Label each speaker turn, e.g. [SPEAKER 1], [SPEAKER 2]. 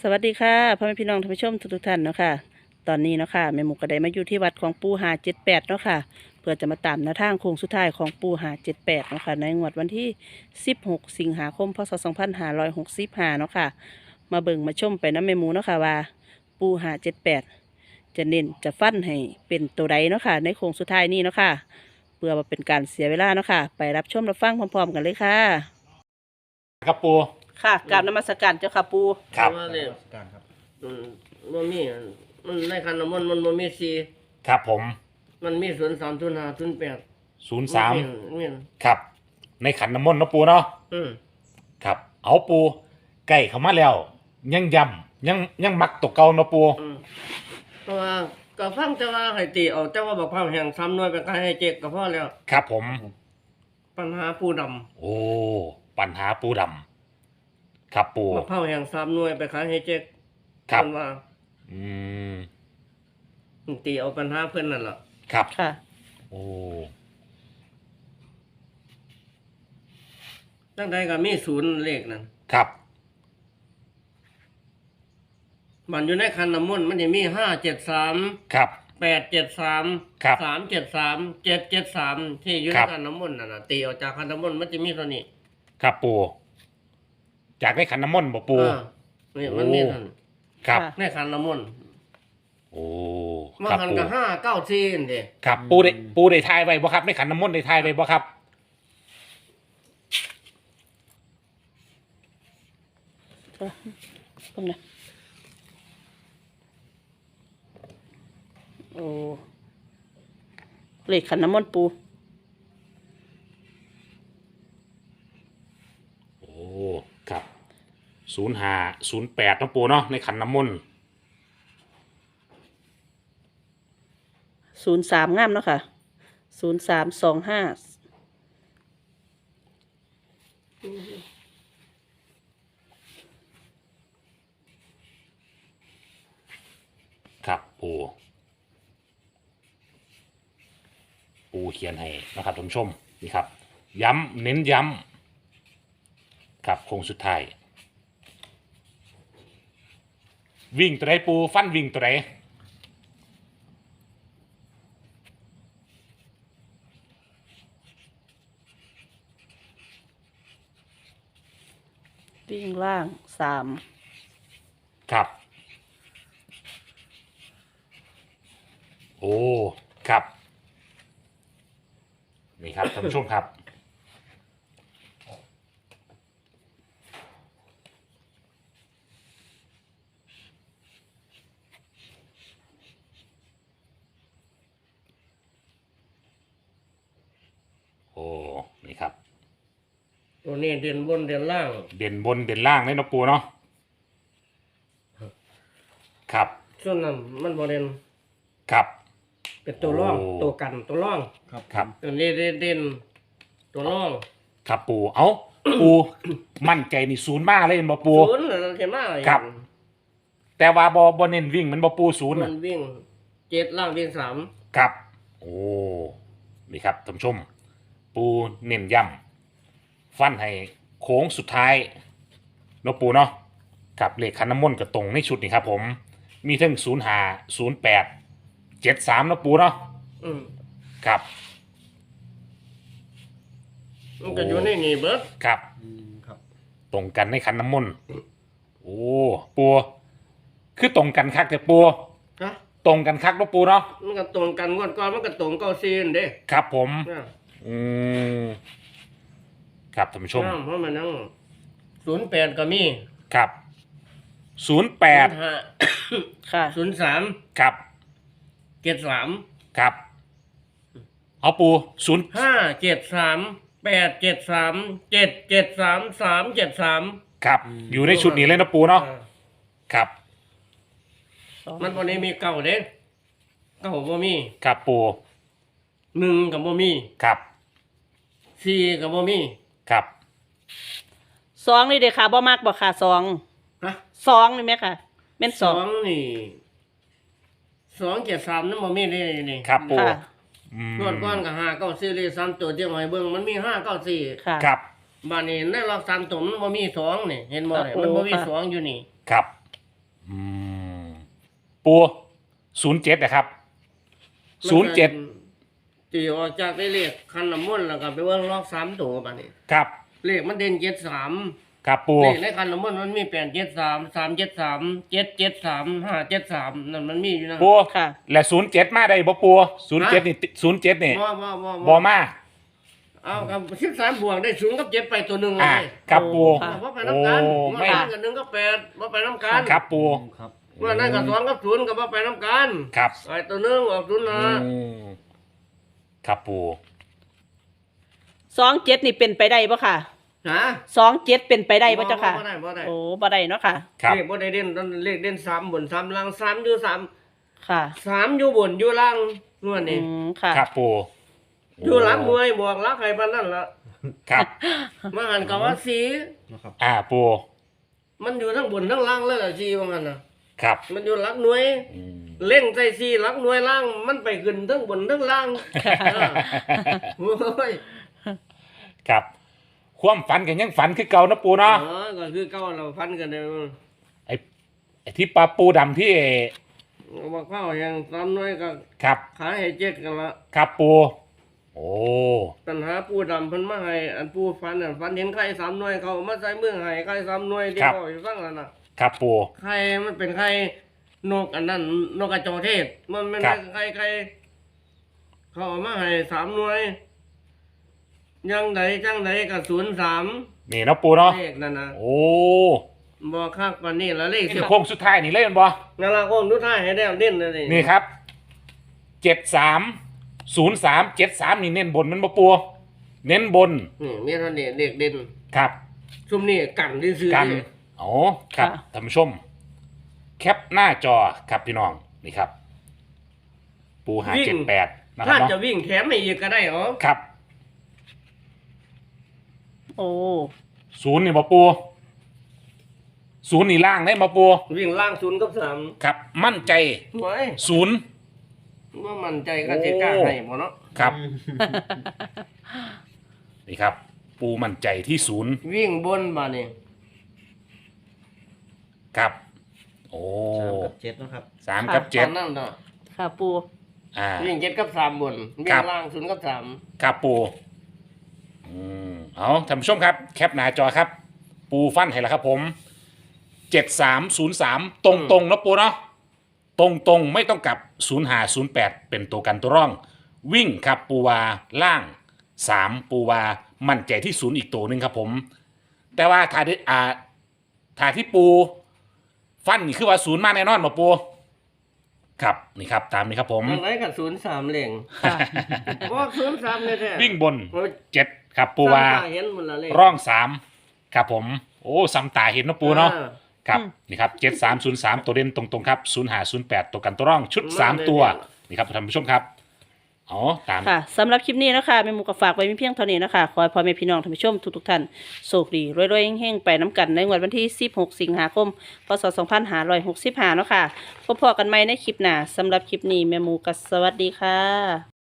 [SPEAKER 1] สวัสดีค่ะพ่อแม่พี่น้องท่านผู้ชมทุกท่านเนาะค่ะตอนนี้เนาะค่ะแม่หมูก็ได้มาอยู่ที่วัดของปู่578เนาะค่ะเพื่อจะมาตามแนวทางโค้งสุดท้ายของปู่578เนาะค่ะในงวดวันที่16สิงหาคมพศ2565เนาะค่ะมาเบิ่งมาชมไปน้ำแม่หมูเนาะค่ะว่าปู่578จะเน้นจะฟันให้เป็นตัวใดเนาะค่ะในโค้งสุดท้ายนี้เนาะค่ะเพื่อมาเป็นการเสียเวลาเนาะค่ะไปรับชมรับฟังพร้อมๆกันเลยค่ะ
[SPEAKER 2] ครับปู
[SPEAKER 1] ค่ะกราบนมัสการเจ้าค่ะปู่
[SPEAKER 2] ครับ
[SPEAKER 3] ว่าเลย
[SPEAKER 4] การครับ
[SPEAKER 3] มันมีมันในคันน้ำมันมันมีสี่
[SPEAKER 2] ครับผม
[SPEAKER 3] มันมี03 05 08
[SPEAKER 2] 03
[SPEAKER 3] มี
[SPEAKER 2] ครับ ในขันน้ำมนต์เนาะปูเนาะ
[SPEAKER 3] อืม
[SPEAKER 2] ครับ เอาปูใกล้เข้ามาแล้ว ยังย้ำยังมักตกเก่าเนาะปู
[SPEAKER 3] อืมเพราะว่าก็ฟังแต่ว่าให้ตีเอาแต่ว่าบอกความแห่งซ้ำน้อยไปก็ให้เจ๊กก็พอแล้ว
[SPEAKER 2] ครับผม
[SPEAKER 3] ปัญหาผู้ด
[SPEAKER 2] โอ้ปัญหาปูดำครับปู
[SPEAKER 3] ำบอกความแห่งซ้ำน้อยไปขายให้เจ๊ก
[SPEAKER 2] ครับ
[SPEAKER 3] เพิ่นว่า
[SPEAKER 2] อืม
[SPEAKER 3] ตีเอาปัญหาเพิ่นนั่นล่ะ
[SPEAKER 2] ครับ
[SPEAKER 1] ค่ะ
[SPEAKER 2] โอ้
[SPEAKER 3] ตั้งใดก็มีศูนย์เลขนั่น
[SPEAKER 2] ครับ
[SPEAKER 3] มันอยู่ในคันน้ำมนต์มันจะมี573
[SPEAKER 2] ครับ
[SPEAKER 3] 873
[SPEAKER 2] ครับ
[SPEAKER 3] 373 773ที่อยู่ในคันน้ำมนต์นั่นน่ะตีออกจากคันน้ำมนต์มันจะมีเท่านี้
[SPEAKER 2] ครับปูจากในขันน้ำมนต์บ่ปู
[SPEAKER 3] นี่มันมีท่าน
[SPEAKER 2] ครับ
[SPEAKER 1] ค่ะ
[SPEAKER 3] ในคันน้ำมนต์
[SPEAKER 2] โอ้
[SPEAKER 3] มา
[SPEAKER 2] ครับ
[SPEAKER 3] คัน
[SPEAKER 2] ปู
[SPEAKER 3] กับ594นี่เด้
[SPEAKER 2] ครับปูได้ทายไว้บ่ครับในขันน้ำมนต์ได้ทายไว้บ่ครับ
[SPEAKER 1] เพิ่งนะโอ้เลขขันน้ำมนต์ปู
[SPEAKER 2] โอ้ครับ05 08น้องปูเนาะในขันน้ำมนต์
[SPEAKER 1] 03งามเนาะค่ะ0325
[SPEAKER 2] ครับปูเขียนให้นะครับท่านผู้ชมนี่ครับ ย้ำเน้นย้ำครับโค้งสุดท้าย วิ่งตัวไหนปูฟันวิ่งตัวไหน
[SPEAKER 1] วิ่งล่าง3
[SPEAKER 2] ครับ โอ้ครับ นี่ครับท่านผู้ชมครับ โอ้นี่ครับ
[SPEAKER 3] ตัวนี้เด่นบนเด่นล่าง
[SPEAKER 2] เด่นบนเด่นล่างเลยเนาะปูเนาะครับ
[SPEAKER 3] ส่วนนั้นมันบ่เด่น
[SPEAKER 2] ครับ
[SPEAKER 3] เป็นตัวร่อง
[SPEAKER 2] โอ้
[SPEAKER 3] ตัวกันตัวร่อง
[SPEAKER 2] ครับ
[SPEAKER 3] ตัวนี้เด่นตัวร่อง
[SPEAKER 2] ครับปูเอาปู มั่นใจนี่ศูนย์มากเลยเห็นบ่ปู
[SPEAKER 3] ศูนย์น่ะเห็นมา
[SPEAKER 2] ครับ แต่ว่าบ่เน้นวิ่งมันบ่ปูศูนย์
[SPEAKER 3] มั
[SPEAKER 2] น่ะ
[SPEAKER 3] นวิ่ง7ล่างวิ่ง3
[SPEAKER 2] ครับ โอ้นี่ครับท่านผู้ชม ปูเน้นย้ำฟันให้โค้งสุดท้ายเนาะปูเนาะกับเลขคันน้ำมนต์กับตรงในชุดนี่ครับ ผม มีทั้ง05 08 73เนาะปูเนาะ
[SPEAKER 3] อืม
[SPEAKER 2] ครับ
[SPEAKER 3] มันก็อยู่ในนี่เบิด
[SPEAKER 2] ครับ
[SPEAKER 4] ครับ
[SPEAKER 2] ตรงกันในคันน้ำมนต์โอ้ปูคือตรงกันคักแต่ปู
[SPEAKER 3] ฮะ
[SPEAKER 2] ตรงกันคักเนาะปูเนาะ
[SPEAKER 3] มันก็ตรงกันงวดก่อนมันก็ตรง94นั่นเด้
[SPEAKER 2] ครับผม
[SPEAKER 3] นะ
[SPEAKER 2] อืมครับท่านผู้ชม
[SPEAKER 3] เพราะมันนั่ง08ก็มี
[SPEAKER 2] ครับ08
[SPEAKER 3] 05
[SPEAKER 1] ค่ะ
[SPEAKER 3] 03
[SPEAKER 2] ครับ
[SPEAKER 3] 73
[SPEAKER 2] ครับ เอาปูศูนย์
[SPEAKER 3] 573 873 773 373
[SPEAKER 2] ครับ อยู่ในชุดนี้เลยนะปูเนาะครับ
[SPEAKER 3] มันบ่ได้มีเก่าเด้เก่าบ่มี
[SPEAKER 2] ครับปู
[SPEAKER 3] 1ก็บ่มี
[SPEAKER 2] ครับ
[SPEAKER 3] 4ก็บ่มี
[SPEAKER 2] ครับ
[SPEAKER 1] 2นี่เด้อค่ะบ่มักบ่ค่ะ2
[SPEAKER 3] ฮะ
[SPEAKER 1] 2นี่แม่ค่ะแม่น
[SPEAKER 3] 2นี่273นั่นบ่มีเลยนี่
[SPEAKER 2] ครับปู
[SPEAKER 1] ค่ะ
[SPEAKER 2] อืม
[SPEAKER 3] งวดก่อนก็594เลย3ตัวเที่ยงให้เบิ่งมันมี594
[SPEAKER 1] ค่ะ
[SPEAKER 2] ครับ
[SPEAKER 3] บัดนี้ในรอบ3ตัวมันบ่มี2นี่เห็นบ่เนี่ย
[SPEAKER 1] โอ้
[SPEAKER 3] มันบ่มี
[SPEAKER 1] ค่ะ
[SPEAKER 3] 2อยู่นี่
[SPEAKER 2] ครับอืมปู07นะครับ07
[SPEAKER 3] ตีออกจากได้เลขคันน้ำมนต์แล้วก็ไปเบิ่งลอก3ตัวบัดนี้
[SPEAKER 2] ครับ
[SPEAKER 3] เลขมันเด่น73
[SPEAKER 2] ครับปู
[SPEAKER 3] เลขในคันน้ำมนต์มันมี873 373 773 573นั่นมันมีอยู่นะ
[SPEAKER 2] ปู
[SPEAKER 1] ค่ะ
[SPEAKER 2] และ07มาได้บ่ปู07นี่07นี่
[SPEAKER 3] บ่
[SPEAKER 2] บ่มา
[SPEAKER 3] เอากับ13บวกได้0กับ7ไปตัวหนึง
[SPEAKER 2] อ่า
[SPEAKER 3] เลย
[SPEAKER 2] ครับปู
[SPEAKER 1] ค่ะ
[SPEAKER 3] บ่ไปนํกัน
[SPEAKER 2] โอ้
[SPEAKER 3] บ่
[SPEAKER 2] ไม่
[SPEAKER 3] ไปกัน1กับ8บ่ไปนํกัน
[SPEAKER 2] ครับปู
[SPEAKER 4] ครับ
[SPEAKER 3] ว่านั่นกับ2กับ0ก็บ่ไปนํกัน
[SPEAKER 2] ครับ
[SPEAKER 3] ไอ้ตัวหนึงออก0นะ
[SPEAKER 2] อืมครับปู
[SPEAKER 1] 27นี่เป็นไปได้ปะค่ะ
[SPEAKER 3] ฮะ
[SPEAKER 1] 27เป็นไปได้ปะเจ้าค่ะ
[SPEAKER 3] บ่ได้บ่ได้
[SPEAKER 1] โอ้บ่ได้เนาะค่ะ
[SPEAKER 2] ครับ
[SPEAKER 3] เลขบ่ได้เด่นเลขเด่น3บน3ล่าง3อยู่3
[SPEAKER 1] ค่ะ
[SPEAKER 3] 3อยู่บนอยู่ล่างนวด
[SPEAKER 1] อื
[SPEAKER 3] นี่
[SPEAKER 1] มค่ะ
[SPEAKER 2] ครับปู
[SPEAKER 3] อยู่หลังหน่วยบวกหลักให้ปานนั้นล่ะ
[SPEAKER 2] ครับ
[SPEAKER 3] มาหันก็ว่าสี
[SPEAKER 4] นะครับ
[SPEAKER 2] ปู
[SPEAKER 3] มันอยู่ทั้งบนทั้งล่างเลยล่ะสีว่างั้นน่ะ
[SPEAKER 2] ครับ
[SPEAKER 3] มันอยู่หลักหน่วย
[SPEAKER 2] อืม
[SPEAKER 3] เล่งใส่สีหลักหน่วยล่างมันไปขึ้นทั้งบนทั้งล่างเออโอ้ย
[SPEAKER 2] ครับความฝันกันยังฝันคือเก่านะปูเนาะ
[SPEAKER 3] ก็คือเก่าเราฟันกันเด้อ
[SPEAKER 2] ไอ้ที่ปลาปูดำที่
[SPEAKER 3] บอกเข้าอย่างตามหน่วยก็
[SPEAKER 2] ครับ
[SPEAKER 3] ขายให้เจ็ดกันละ
[SPEAKER 2] ครับปู โอ้
[SPEAKER 3] ปัญหาปูดำเพิ่นมาให้อันปูฟันฟันเห็นไข่3หน่วยเขามาใส่มือให้ไข่3หน่วยที่เขาอยู่ฟังนั่นน่ะ
[SPEAKER 2] ครับปู
[SPEAKER 3] ไข่มันเป็นไข่นกอันนั้นนกกระจอกเทศมันเป็น
[SPEAKER 2] ครับ
[SPEAKER 3] ไข่เขาเอามาให้3หน่วยยังใดจังใดก็03
[SPEAKER 2] นี่เนาะปูเนาะ
[SPEAKER 3] เลขนั่นน่ะ
[SPEAKER 2] โอ้
[SPEAKER 3] บ่คักกว่านี้ละเลข
[SPEAKER 2] นี่โค้งสุดท้ายนี่เล่นบ่
[SPEAKER 3] นั่นล่ะคงดูท้ายให้ได้เด่นเลย
[SPEAKER 2] นี่ครับ730373นี่เน้นบนมันบ่ปูเน้นบน
[SPEAKER 3] นี่มีเท่านี้เลขเด่น
[SPEAKER 2] ครับ
[SPEAKER 3] ซุมนี้กันซื่อๆ
[SPEAKER 2] กัน
[SPEAKER 3] นี่
[SPEAKER 2] อ๋อครับ
[SPEAKER 1] ค่ะ
[SPEAKER 2] ท่านผู้ชม แคปหน้าจอครับพี่น้องนี่ครับ ปู578นะครั
[SPEAKER 3] ถ้า
[SPEAKER 2] บ
[SPEAKER 3] จะ
[SPEAKER 2] เนาะ
[SPEAKER 3] วิ่งแถมให้อีกก็ได้เหรอ
[SPEAKER 2] ครับ
[SPEAKER 1] โอ้
[SPEAKER 2] 0นี่บ่ปู0นี่ล่างได้บ่ปู
[SPEAKER 3] วิ่งล่าง0กับ3
[SPEAKER 2] ครับ มั่นใจ
[SPEAKER 3] โอ้ย
[SPEAKER 2] 0
[SPEAKER 3] ว่ามั่นใจก็สิกล้าให้บ่เนาะ
[SPEAKER 2] ครับ นี่ครับ ปูมั่นใจที่0
[SPEAKER 3] วิ่งบนมานี่
[SPEAKER 2] ครับ โอ้
[SPEAKER 4] 3 กับ 7นะครับ
[SPEAKER 2] 3 กับ
[SPEAKER 3] ตอนนั้นเนาะ
[SPEAKER 1] ค่ะปู
[SPEAKER 2] 7อ่า
[SPEAKER 3] วิ่ง7กับ3บนวิ่
[SPEAKER 2] ครั
[SPEAKER 3] ง
[SPEAKER 2] บ
[SPEAKER 3] ล่าง0กับ3
[SPEAKER 2] ครับปูเอาท่านผู้ชมครับ แคปหน้าจอครับ ปูฟันให้แล้วครับผม7303ตรงๆนะปูเนาะตรงๆไม่ต้องกลับ0508เป็นตัวกันตัวร่อง วิ่งครับปูวาล่าง3ปูวามั่นใจที่0อีกตัวหนึ่งครับผม แต่ว่าถ้าที่ปูฟันนี่คือว่า0มาแน่นอนมาปูครับนี่ครับตามนี้ครับผม
[SPEAKER 3] จังไดก็03เล่ง
[SPEAKER 1] ค่ะ
[SPEAKER 3] บ่03แท้ๆ
[SPEAKER 2] วิ่งบน
[SPEAKER 3] โอ้ย
[SPEAKER 2] 7ครับปูวา
[SPEAKER 3] ซ้ำตเห็นหมดละเลข
[SPEAKER 2] ร่อง3ครับผม โอ้ซ้ำตาเห็นนะปูเนาะ
[SPEAKER 3] อ่
[SPEAKER 2] ครับนี่ครับ7303ตัวเด่นตรงๆครับ0508ตัวกันตัวร่องชุด 3 ตัวนี่ครับท่านผู้ชมครับอ๋อตาม
[SPEAKER 1] ค่ะสำหรับคลิปนี้นะคะแม่หมูก็ฝากไว้มีเพียงเท่านี้นะคะขอให้พ่อแม่พี่น้องท่านผู้ชมทุกๆท่านโชคดีรวยๆเฮงๆไปน้ำกันในงวดวันที่16 สิงหาคมพศ2565เนาะค่ะพบกันใหม่ในคลิปหน้าสำหรับคลิปนี้แม่หมูก็สวัสดีค่ะ